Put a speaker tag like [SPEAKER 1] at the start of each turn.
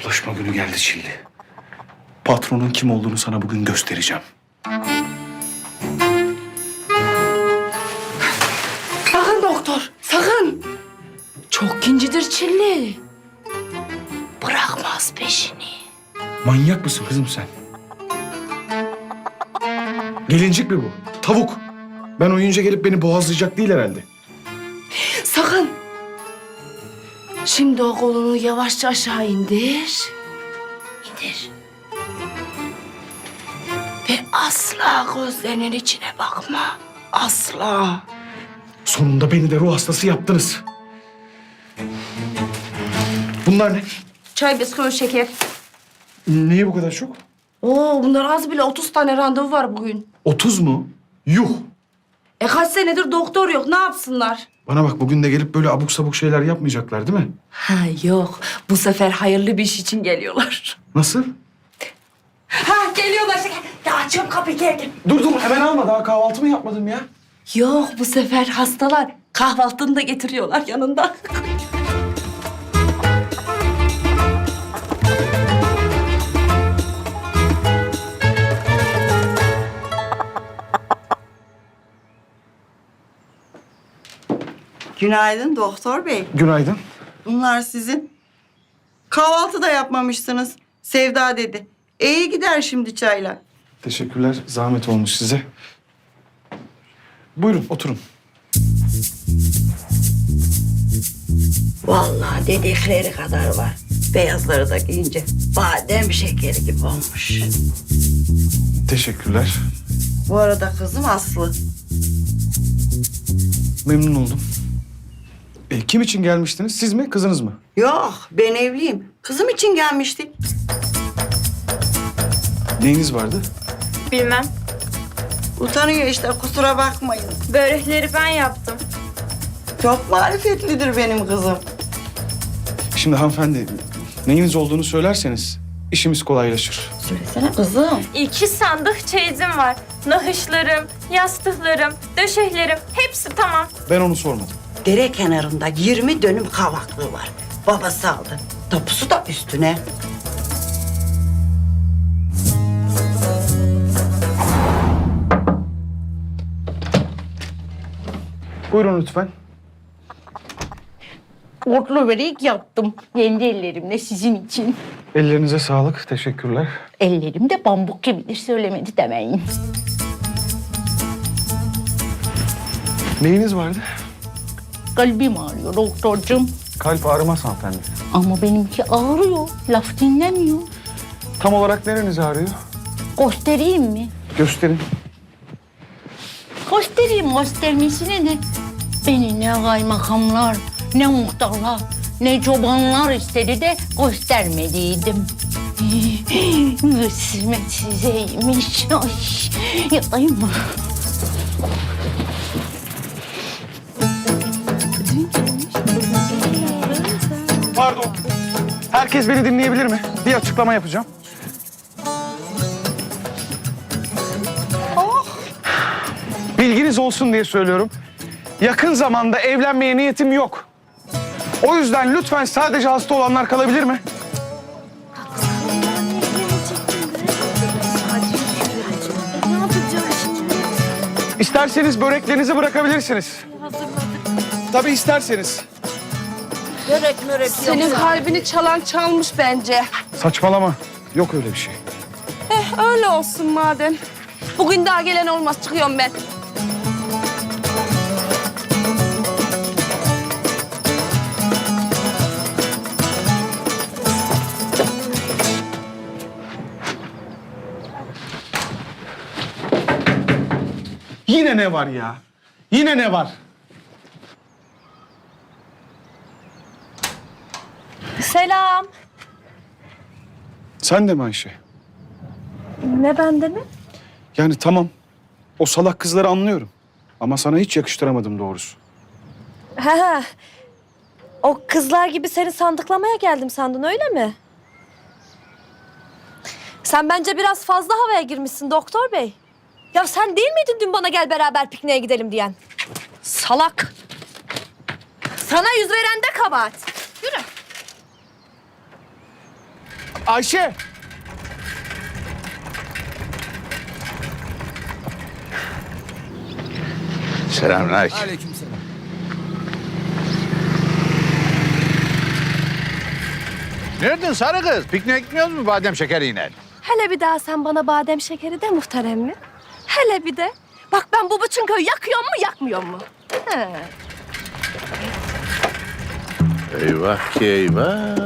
[SPEAKER 1] Hesaplaşma günü geldi Çilli. Patronun kim olduğunu sana bugün göstereceğim.
[SPEAKER 2] Sakın doktor, sakın. Çok kincidir Çilli. Bırakmaz peşini.
[SPEAKER 1] Manyak mısın kızım sen? Gelincik mi bu? Tavuk. Ben uyuyunca gelip beni boğazlayacak değil herhalde.
[SPEAKER 2] Sakın. Şimdi o kolunu yavaşça aşağı indir. İndir. Ve asla gözlerinin içine bakma. Asla.
[SPEAKER 1] Sonunda beni de ruh hastası yaptınız. Bunlar ne?
[SPEAKER 2] Çay, bisküvi, şeker.
[SPEAKER 1] Niye bu kadar çok?
[SPEAKER 2] Oo, bunlar az bile 30 tane randevu var bugün.
[SPEAKER 1] 30 mu? Yuh!
[SPEAKER 2] Kaç senedir doktor yok, ne yapsınlar?
[SPEAKER 1] Bana bak, bugün de gelip böyle abuk sabuk şeyler yapmayacaklar değil mi?
[SPEAKER 2] Ha yok, bu sefer hayırlı bir iş için geliyorlar.
[SPEAKER 1] Nasıl?
[SPEAKER 2] Ha geliyorlar şeker. Ya açıyorum kapıyı, gel.
[SPEAKER 1] Dur hemen alma, daha kahvaltı mı yapmadım ya?
[SPEAKER 2] Yok, bu sefer hastalar kahvaltını da getiriyorlar yanında.
[SPEAKER 3] Günaydın doktor bey.
[SPEAKER 1] Günaydın.
[SPEAKER 3] Bunlar sizin. Kahvaltı da yapmamışsınız. Sevda dedi. İyi gider şimdi çaylar.
[SPEAKER 1] Teşekkürler, zahmet olmuş size. Buyurun, oturun.
[SPEAKER 3] Vallahi dedikleri kadar var. Beyazları da giyince badem şekeri gibi olmuş.
[SPEAKER 1] Teşekkürler.
[SPEAKER 3] Bu arada kızım Aslı.
[SPEAKER 1] Memnun oldum. Kim için gelmiştiniz? Siz mi, kızınız mı?
[SPEAKER 3] Yok, ben evliyim. Kızım için gelmiştik.
[SPEAKER 1] Neyiniz vardı?
[SPEAKER 4] Bilmem.
[SPEAKER 3] Utanıyor işte, kusura bakmayın.
[SPEAKER 4] Börekleri ben yaptım.
[SPEAKER 3] Çok marifetlidir benim kızım.
[SPEAKER 1] Şimdi hanımefendi, neyiniz olduğunu söylerseniz işimiz kolaylaşır.
[SPEAKER 3] Söylesene kızım.
[SPEAKER 4] 2 sandık çeyizim var. Nahışlarım, yastıklarım, döşeklerim hepsi tamam.
[SPEAKER 1] Ben onu sormadım.
[SPEAKER 3] Dere kenarında 20 dönüm kavaklığı var. Babası aldı. Tapusu da üstüne.
[SPEAKER 1] Buyurun lütfen.
[SPEAKER 5] Otlu börek yaptım. Kendi ellerimle sizin için.
[SPEAKER 1] Ellerinize sağlık, teşekkürler.
[SPEAKER 5] Ellerim de pamuk gibidir, söylemedi demeyin.
[SPEAKER 1] Neyiniz vardı?
[SPEAKER 5] Kalbim ağrıyor doktorcum.
[SPEAKER 1] Kalp ağrımaz hanımefendi.
[SPEAKER 5] Ama benimki ağrıyor. Laf dinlemiyor.
[SPEAKER 1] Tam olarak nereniz ağrıyor?
[SPEAKER 5] Göstereyim mi?
[SPEAKER 1] Gösterin.
[SPEAKER 5] Göstermesine ne? Beni ne kaymakamlar, ne muhtarlar, ne çobanlar istedi de göstermediydim. Kısmet sizeymiş. Ay, yatayım mı?
[SPEAKER 1] Pardon. Herkes beni dinleyebilir mi? Bir açıklama yapacağım. Bilginiz olsun diye söylüyorum. Yakın zamanda evlenmeye niyetim yok. O yüzden lütfen sadece hasta olanlar kalabilir mi? İsterseniz böreklerinizi bırakabilirsiniz. Tabii isterseniz.
[SPEAKER 2] Senin kalbini çalan çalmış bence.
[SPEAKER 1] Saçmalama. Yok öyle bir şey.
[SPEAKER 2] Öyle olsun madem. Bugün daha gelen olmaz, çıkıyorum ben.
[SPEAKER 1] Yine ne var ya? Yine ne var?
[SPEAKER 4] Selam.
[SPEAKER 1] Sen de mi Ayşe?
[SPEAKER 4] Ne bende mi?
[SPEAKER 1] Yani tamam. O salak kızları anlıyorum. Ama sana hiç yakıştıramadım doğrusu.
[SPEAKER 6] Ha, o kızlar gibi seni sandıklamaya geldim sandın öyle mi? Sen bence biraz fazla havaya girmişsin doktor bey. Ya sen değil miydin dün bana gel beraber pikniğe gidelim diyen? Salak. Sana yüz veren de kabahat. Yürü.
[SPEAKER 1] Ayşe!
[SPEAKER 7] Selamünaleyküm.
[SPEAKER 8] Aleykümselam.
[SPEAKER 7] Nereden sarı kız? Pikniğe gitmiyoruz mu badem şekeriyle?
[SPEAKER 6] Hele bir daha sen bana badem şekeri de muhterem mi? Hele bir de. Bak ben bu bütün köyü yakıyor mu yakmıyor mu? He.
[SPEAKER 7] Eyvah ki eyvah.